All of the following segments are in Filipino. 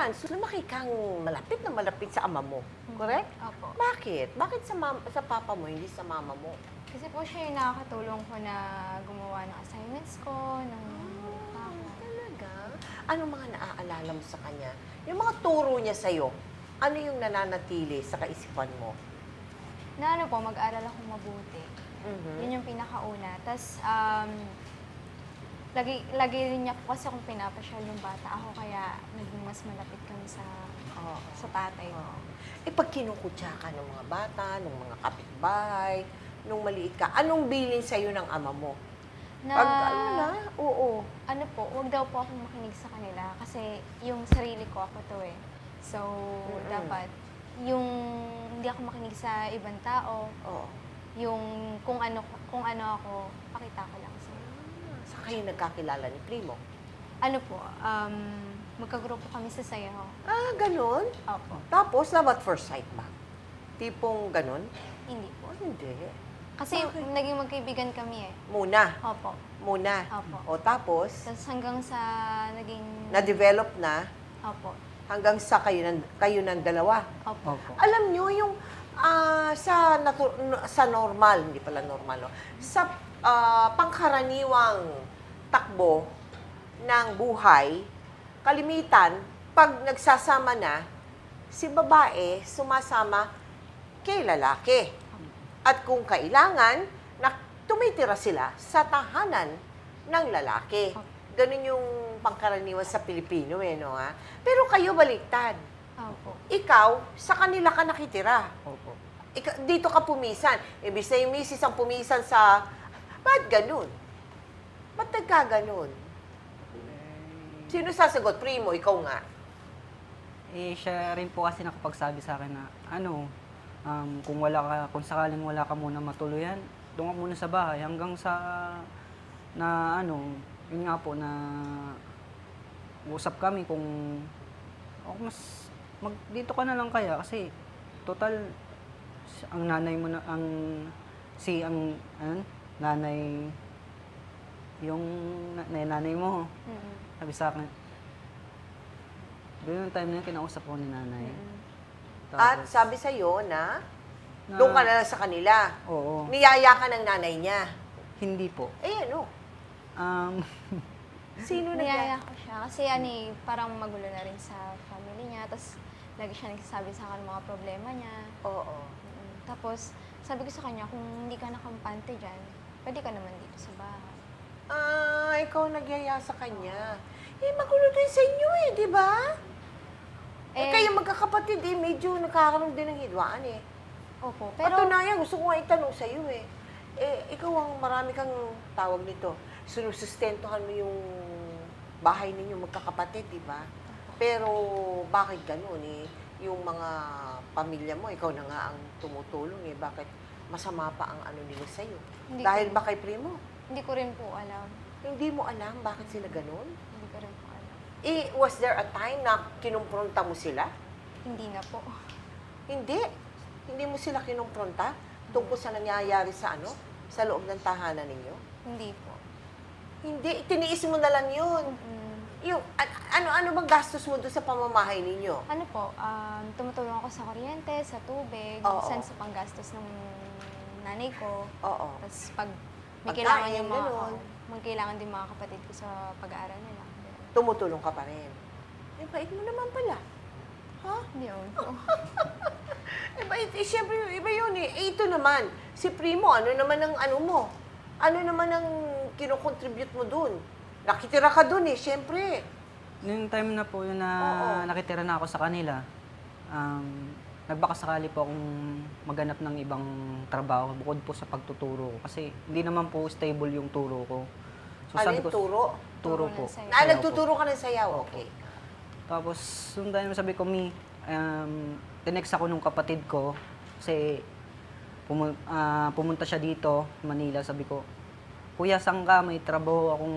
months, lumaki kang malapit na malapit sa ama mo. Correct? Opo. Bakit? Bakit sa papa mo, hindi sa mama mo? Kasi po siya yung nakakatulong ko na gumawa ng assignments ko, ng Talaga? Anong mga naaalala mo sa kanya? Yung mga turo niya sa'yo, ano yung nananatili sa kaisipan mo? na ano po, mag-aral ako mabuti. Mhm. Yun yung pinakauna. Tapos, lagi rin niya po kasi akong pinapasyal yung bata ako, kaya naging mas malapit kami Oo. sa tatay ko. Oo. Eh, pag kinukutya ka ng mga bata, ng mga kapitbahay, nung maliit ka, anong bilin sa'yo ng ama mo? Pag ano na, oo. Ano po, wag daw po akong makinig sa kanila kasi yung sarili ko ako to eh. So, dapat yung hindi ako makinig sa ibang tao, Oo. yung kung ano ako, pakita ko lang sa Saan kayo nagkakilala ni Primo? ano po, magkagrupo kami sa sayaw. Ah, ganun? Opo. Tapos, love at first sight ba? Tipong ganun? Hindi po. Oh, hindi. Kasi Bakit? naging magkaibigan kami eh. Muna. Opo. Muna. Opo. O tapos, Tapos hanggang sa naging... na-develop na Opo. hanggang sa kayo ng dalawa. Opo. Opo. Alam nyo, yung sa normal, hindi pala normal, no? Sa pangkaraniwang takbo ng buhay, kalimitan, pag nagsasama na, si babae sumasama kay lalaki. At kung kailangan, tumitira sila sa tahanan ng lalaki. Ganun yung pangkaraniwan sa Pilipino, eh, no, ha? Pero kayo baliktad. Opo. Ikaw, sa kanila ka nakitira. Opo. Dito ka pumisan. Ibig na yung misis ang pumisan sa... Ba't ganun? Ba't nagkaganon? Sino sasagot? Primo, ikaw nga. Eh, siya rin po kasi nakapagsabi sa akin na, kung sakaling wala ka muna matuluyan, doon ka muna sa bahay hanggang sa, yun nga po, na usap kami kung, dito ka na lang kaya kasi, total, ang nanay mo na, nanay, yung nanay mo, Mm-mm. sabi sa akin, doon yung time na yun, kinausap ko ni nanay. At Tapos, sabi sa'yo na doon ka na lang sa kanila. Oo. Niyaya ka ng nanay niya. Hindi po. Eh, ano? Um, Sino Niyaya nag- ko siya kasi parang magulo na rin sa family niya. Tapos lagi siya nagsasabi sa akin mga problema niya. Oo. Tapos sabi ko sa kanya, kung hindi ka nakampante dyan, pwede ka naman dito sa bahay. Ah, ikaw nagyaya sa kanya. Eh, magulo din sa inyo eh, di ba? Eh, kayo magkakapatid eh, medyo nagkakaroon din ng hidwaan eh. Opo, Pero, pero Patunayan, gusto ko nga itanong sa iyo eh. Eh, ikaw ang marami kang tawag nito. Sinusustentuhan mo yung bahay ninyo magkakapatid, di ba? Pero bakit ganun eh? Yung mga pamilya mo, ikaw na nga ang tumutulong eh. Bakit masama pa ang ano nila sa'yo? Hindi Dahil ko- ba kay Primo? hindi ko rin po alam. Hindi mo alam bakit sila ganun? Hindi ko rin po alam. Eh, was there a time na kinumpronta mo sila? Hindi na po. Hindi. Hindi mo sila kinumpronta tungkol sa nangyayari sa ano? Sa loob ng tahanan ninyo? Hindi po. Hindi. Tiniis mo na lang yun. Yung, ano bang gastos mo doon sa pamamahay ninyo? Ano po, tumutulong ako sa kuryente, sa tubig, Oo. minsan sa panggastos ng nanay ko. Oo. Tapos pag may Pagkain, kailangan yung mga, ganun. may kailangan din mga kapatid ko sa pag-aaral nila. Tumutulong ka pa rin. Eh, bait mo naman pala. Ha? Hindi yun po. Eh, bait. Eh, syempre, iba yun eh. Eh, ito naman, si Primo, ano naman ang ano mo? Ano naman ang kinocontribute mo dun? Nakitira ka dun eh, syempre. Noong time na po yun na Oo. nakitira na ako sa kanila, nagbakasakali po akong maghanap ng ibang trabaho bukod po sa pagtuturo ko. Kasi hindi naman po stable yung turo ko. Alin, turo? Turo Turo po. ng sayaw. Ah, Sayaw nagtuturo ka ng sayaw. Okay. Tapos, yung time sabi ko, tinext ako nung kapatid ko kasi pumunta siya dito, Manila. Sabi ko, Kuya, saan ka? May trabaho akong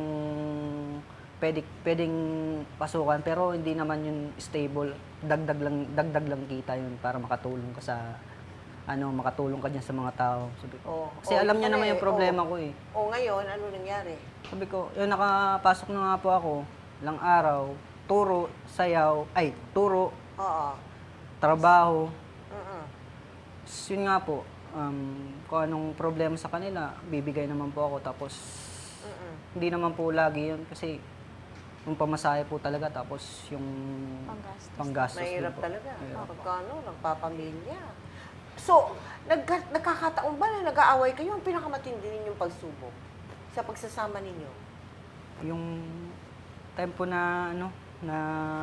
pwedeng pasukan pero hindi naman yun stable. Dagdag lang kita yun para makatulong ka makatulong ka dyan sa mga tao. Sabi ko, Oh, kasi alam niya naman yung problema ko eh. O ngayon, ano nangyari? Sabi ko, yun nakapasok na nga po ako, ilang araw, turo, sayaw, turo, Oo. trabaho. Mm-mm. Yun nga po, kung anong problema sa kanila, bibigay naman po ako. Tapos, Mm-mm. hindi naman po lagi yun kasi yung pamasahe po talaga. Tapos, yung Panggastos. panggastos din Mahirap po. talaga. Mahirap. Pagkano, nagpapamilya. So, nagkakataon ba na nag-aaway kayo? Ang pinakamatindi ninyong pagsubok sa pagsasama ninyo? Yung time po na, na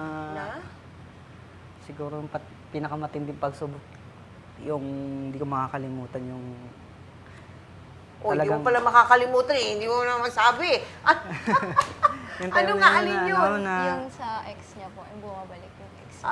siguro yung pinakamatinding pagsubok, yung hindi ko makakalimutan yung O, hindi mo talagang- pala makakalimutan eh. Hindi mo na masabi. yung Ano time nga, na alin na, yun? na, Yung sa ex niya po, yung bumabalik yung ex niya.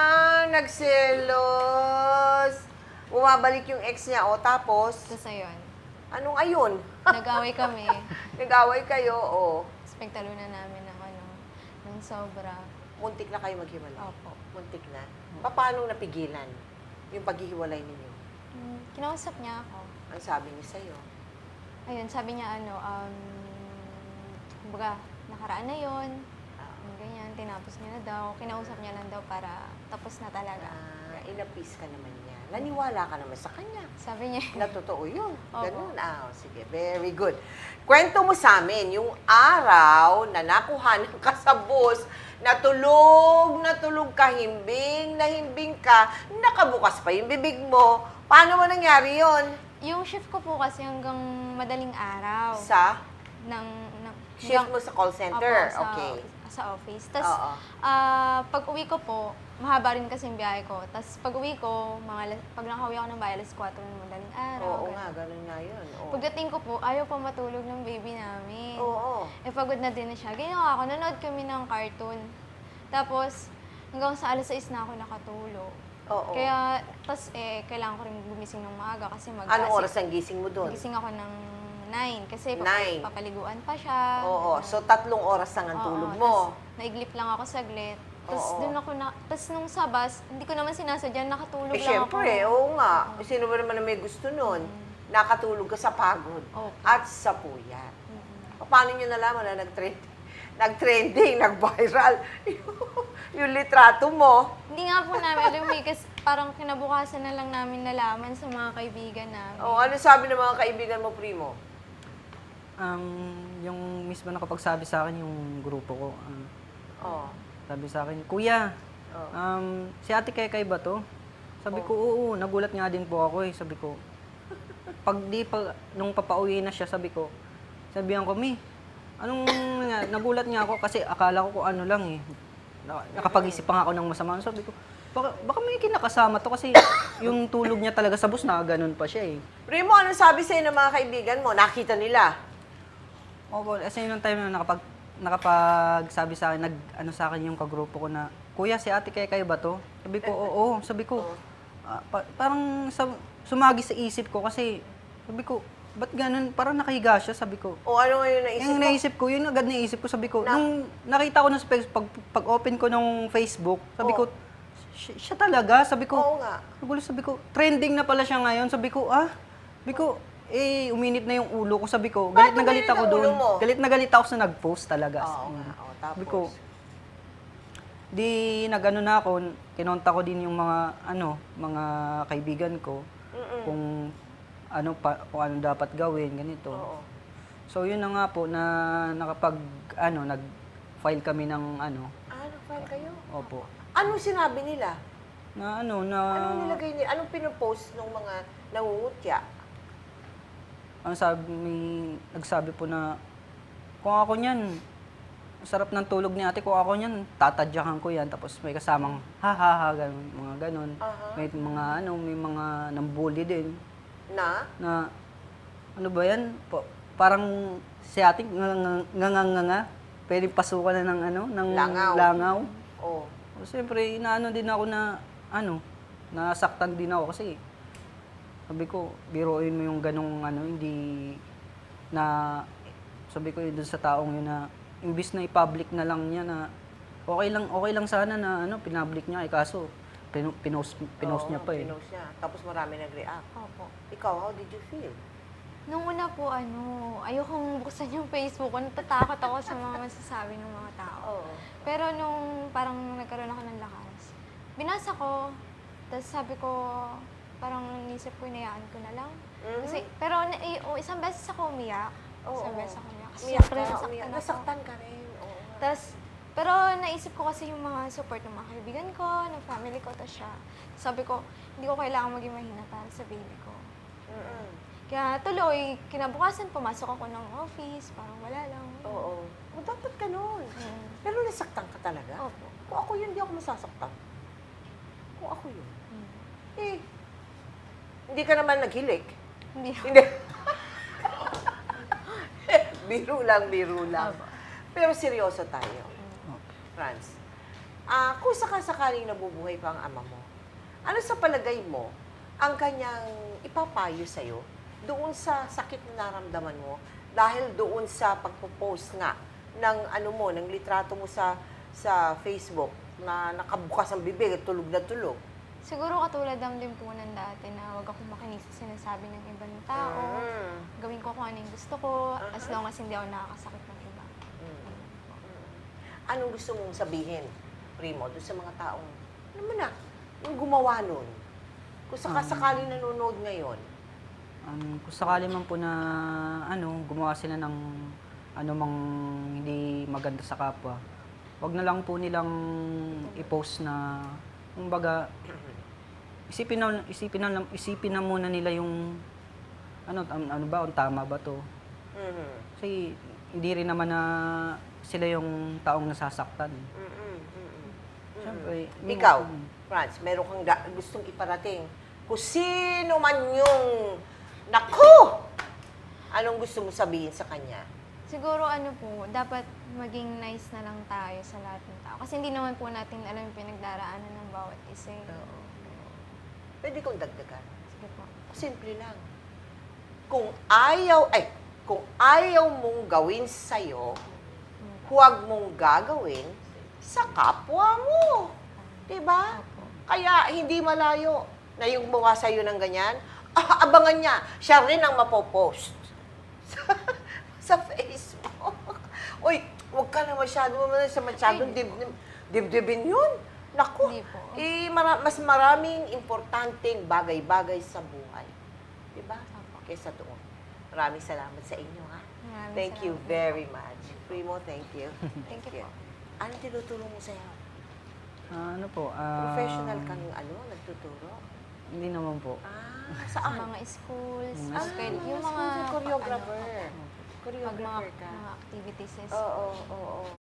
Nagselos. Bumabalik yung ex niya. O, tapos, Tapos ayun, anong ayun? nag-away kami. Nag-away kayo, o. Tapos pagtalunan namin ng sobra. Muntik na kayo maghiwalay. Opo. Muntik na. Paano napigilan yung paghihiwalay ninyo? Kinausap niya ako. Ang sabi niya sa'yo. Ayun, sabi niya kumbaga, nakaraan na yun. Ganyan, tinapos niya na daw. Kinausap niya lang daw para tapos na talaga. Inapis ka naman niya. Naniwala ka naman sa kanya. Sabi niya, Na totoo yun. Opo. Ganun. Sige. Very good. Kwento mo sa amin, yung araw na nakuha ng kasabos, natulog ka, himbing ka, nakabukas pa yung bibig mo. Paano mo nangyari yon? yung shift ko po kasi hanggang madaling araw. Sa ng shift mo sa call center? Opo, Okay. sa office. Tapos, Oo. pag uwi ko po, mahaba rin kasi yung biyahe ko. Tapos, pag uwi ko, pag nakauwi ako ng bahay, alas 4 ng madaling araw. Oo ganun. nga, ganun nga yun. Oo. Pagdating ko po, ayaw pa matulog ng baby namin. Oo. Pagod na din na siya. Ginawa ko, nanood kami ng cartoon. Tapos, hanggang sa alas 6 na ako nakatulog. Oo. Kaya, kailangan ko rin gumising ng maaga kasi Anong oras ang gising mo doon? Gising ako ng 9 kasi 9. papaliguan pa siya. Oo. So, 3 oras lang ang Oo, tulog mo. tas naiglip lang ako saglit. Tapos Oo. doon ako tapos nung sa bus, hindi ko naman sinasadya, nakatulog lang Syempre, ako. oo nga. Sino ba naman na may gusto nun? Nakatulog ka sa pagod Opo. at sa puyat. Paano nyo nalaman na nag-trending, nag-viral yung litrato mo? Hindi nga po namin alam kasi parang kinabukasan na lang namin nalaman sa mga kaibigan namin. O, ano sabi ng mga kaibigan mo, Primo? yung mismo nakapagsabi sa akin yung grupo ko, Oh. sabi sa akin, Kuya, Oh. si Ate Kekay ba to? Sabi ko, oo, nagulat nga din po ako eh. Sabi ko, nung papauwi na siya, sabihan ko, nagulat nga ako kasi akala ko kung ano lang eh. Nakapag-isip pa nga ako ng masama. Sabi ko, baka may kinakasama to kasi yung tulog niya talaga sa bus na ganun pa siya eh. Primo, ano sabi sa'yo ng mga kaibigan mo? Nakita nila? Opo, kasi yung time na nakapagsabi sa akin, sa akin yung kagrupo ko na, Kuya, si Ate Kekay ba to? Sabi ko, oo. Sabi ko, parang sumagi sa isip ko kasi, sabi ko, ba't ganun? Parang nakahiga siya, sabi ko. O ano ngayon naisip Yung mo? naisip ko, yun agad naisip ko, sabi ko, nung nakita ko na sa pag-open ko nung Facebook, sabi ko, siya talaga, sabi ko, Oo nga. nagulo, sabi ko, trending na pala siya ngayon, sabi ko, uminit na yung ulo ko, sabi ko, galit na Bakit galit ako uminit ang doon. ulo mo? Galit na galit ako sa nag-post talaga. Oo nga. O, tapos? Sabi ko, nagano na ako, kinonta ko din yung mga kaibigan ko kung kung ano dapat gawin, ganito. Oo. So yun na nga po na nag-file kami ng Nag-file kayo? opo. Anong sinabi nila? Anong nilagay nila? Anong pinopost ng mga nangungutya? Nagsabi po na kung ako niyan, sarap ng tulog ni ate, kung ako niyan, tatadyakan ko yan. Tapos may kasamang ganun, mga ganun. May mga nambully din. Na? Na, ano ba yan? Parang si ate, nga, pwede pasukan na ng langaw. Oo. Siyempre, inaano din ako na, nasaktan din ako kasi, sabi ko, biruin mo yung ganong hindi sabi ko yun dun sa taong yun na, imbis na i-public na lang niya na, okay lang sana na, pinpublic niya, kaso, pinost niya pa eh. Pinost niya. Tapos marami nag-react. Opo. Ikaw, how did you feel? Nung una po, ayokong buksan yung Facebook ko. Natatakot ako sa mga masasabi ng mga tao. Oo. Pero nung parang nagkaroon ako ng lakas, binasa ko, tapos sabi ko, parang nisip ko, inayaan ko na lang. Kasi, pero isang beses ako umiyak. Oo. Isang beses ako umiyak. Kasi Umiyak syempre, ka, nasaktan umiyak. ako. Nasaktan ka rin. Oo. Tapos, pero naisip ko kasi yung mga support ng mga kaibigan ko, ng family ko, tapos siya. Sabi ko, hindi ko kailangan maging mahina para sa baby ko. Mm-mm. Kaya tuloy, kinabukasan pumasok ako ng office, parang wala lang. Oo. O, dapat ganun. Mm. Pero nasaktan ka talaga? Opo. Kung ako yun, hindi ako masasaktan. Kung ako yun. Mm. Eh, hindi ka naman naghilik. Hindi ako. Hindi. Biro lang. Opo. Pero seryoso tayo. Franz, kung sakasakaling nabubuhay pa ang ama mo, ano sa palagay mo ang kanyang ipapayo sa'yo doon sa sakit na naramdaman mo dahil doon sa pagpo-post nga ng ng litrato mo sa Facebook na nakabukas ang bibig at tulog na tulog? Siguro katulad lang din po ng dati na huwag akong makinig sa sinasabi ng ibang tao. Gawin ko kung ano yung gusto ko, as long as hindi ako nakakasakit ng iba. Anong gusto mong sabihin, Primo, doon sa mga taong, ano mo na, yung gumawa nun? Kung sakasakaling nanonood ngayon. Kung sakali man po na gumawa sila ng mang hindi maganda sa kapwa, wag na lang po nilang i-post na, kumbaga, isipin na muna nila yung kung tama ba to. Mhm. Kasi hindi rin naman na sila yung taong nasasaktan. Siyempre, Ikaw, Franz, meron kang gustong iparating. Kung sino man yung, naku! Anong gusto mo sabihin sa kanya? Siguro dapat maging nice na lang tayo sa lahat ng tao. Kasi hindi naman po natin alam yung pinagdaraanan ng bawat isa. Pwede kong dagdagan. Sige po. Simple lang. Kung ayaw mong gawin sa'yo, huwag mong gagawin sa kapwa mo. Diba? Opo. Kaya hindi malayo na yung gumawa sa'yo ng ganyan, abangan niya, siya rin ang mapopost sa Facebook. Uy, huwag ka na masyadong dibdibin yun. Naku, Hindi po. mas maraming importanteng bagay-bagay sa buhay. Diba? Opo. Kesa doon. Maraming salamat sa inyo, ha? Maraming Thank you salamat. very much. Primo, thank you. Thank you po. Anong tinutulong mo sa'yo? Professional Professional kang nagtuturo? Hindi naman po. Sa Saan? mga schools, Ah, yung mga choreographer. pag Choreographer mga, ka. mga activities. Oo, oo, oo.